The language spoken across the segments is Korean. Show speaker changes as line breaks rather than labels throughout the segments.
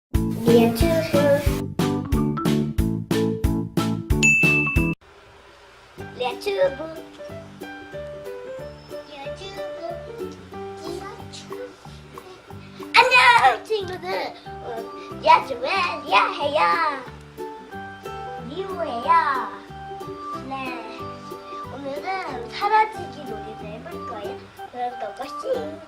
리아튜브 안녕 친구들. 리아튜브의 리아해요. 리우예요. 네, 오늘은 사라지기 놀이를 해볼 거예요. 그럴 것이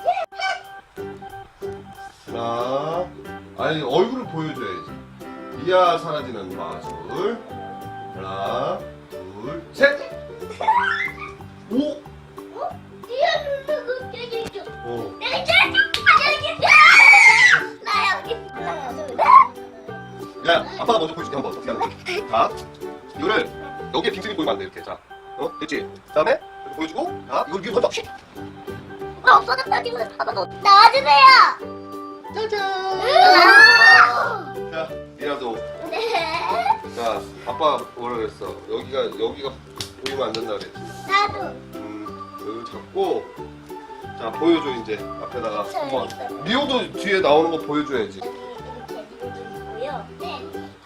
하나, 아니 얼굴을 보여줘야지. 리아 사라지는 마술. 하나, 둘, 셋. 오.
리아 누르고 껴줘.
어.
내가 나 여기 하나 둘
야, 아빠가 먼저 보여줄게 한번. 어떻게 하는 거지? 자, 이거를 여기에 빙승이 보이면 안 돼 이렇게. 자, 됐지? 그다음에 이렇게 보여주고, 자, 이걸 위에 던져.
나 없어졌다 지금. 아빠 너 나와주세요.
짜잔. 자, 리아도.
네.
자, 아빠 뭐라 그랬어? 여기가 보이면 안 된다 그랬지.
나도.
여기 잡고, 자 보여줘 이제 앞에다가
저 여기
한번.
있어요.
리오도 뒤에 나오는 거 보여줘야지.
여기 이렇게 누르고요. 네.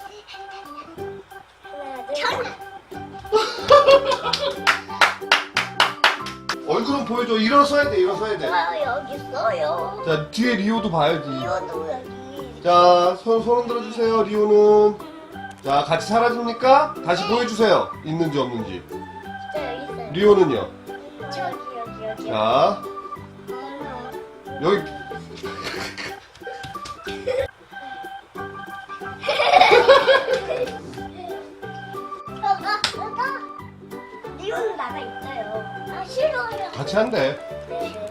하나 둘.
얼굴은 보여줘. 일어서야 돼, 일어서야 돼.
여기 있어요.
자, 뒤에 리오도 봐야지.
이것도 여기.
자, 손 흔들어 주세요. 리오는. 자, 같이 사라집니까? 다시 보여주세요. 있는지 없는지.
저 여기 있어요.
리오는요.
여기.
자, 여기.
리오는 나가 있어요. 아 싫어요.
같이 한대.
네.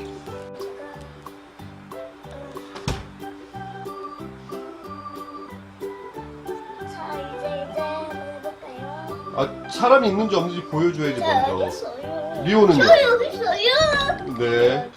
자 이제 한번 해볼까요?
아, 사람이 있는지 없는지 보여줘야지
자 여기
먼저.
있어요.
리오는요?
저 여기 있어요.
네.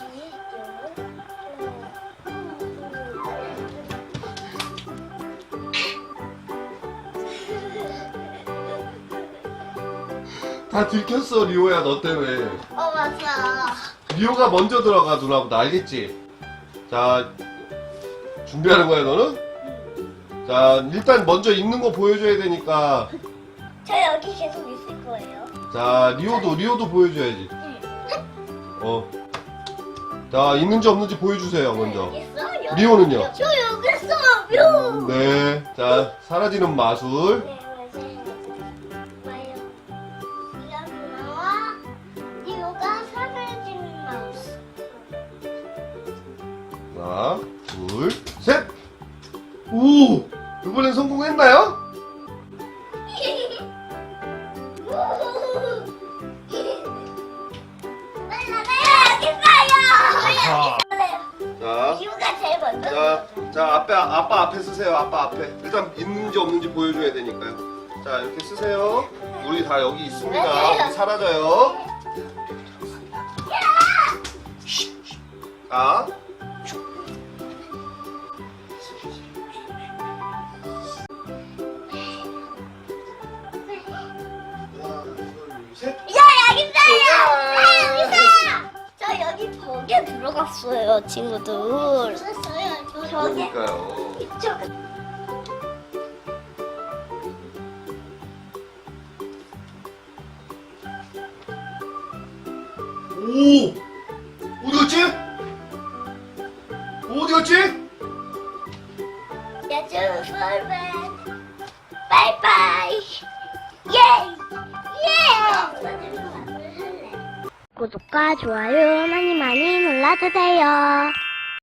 다 들켰어, 리오야, 너 때문에.
맞아.
리오가 먼저 들어가, 누나보다. 알겠지? 자, 준비하는 거야, 너는? 자, 일단 먼저 있는 거 보여줘야 되니까.
저 여기 계속 있을 거예요.
자, 리오도 보여줘야지. 어. 자, 있는지 없는지 보여주세요, 먼저.
여기 있어요.
리오는요?
저 여기 있어요.
네. 자, 사라지는 마술.
네, 맞아요. 이거 누나와 리오가 사라지는 마우스.
하나, 둘, 셋! 오! 이번엔 성공했나요? 아하. 자,
리오가 제일 먼저.
자, 아빠 앞에 쓰세요. 아빠 앞에. 일단 있는지 없는지 보여줘야 되니까요. 자, 이렇게 쓰세요. 우리 다 여기 있습니다. 우리 사라져요. 자. 하나, 둘, 셋.
여기 있어요. 저 여기 벽에 들어갔어요, 친구들. 벽에.
그러니까요.
이쪽.
오! 어디 갔지? 어디 갔지?
야주 풀맨. 바이바이. 예. 구독과 좋아요 많이 눌러주세요.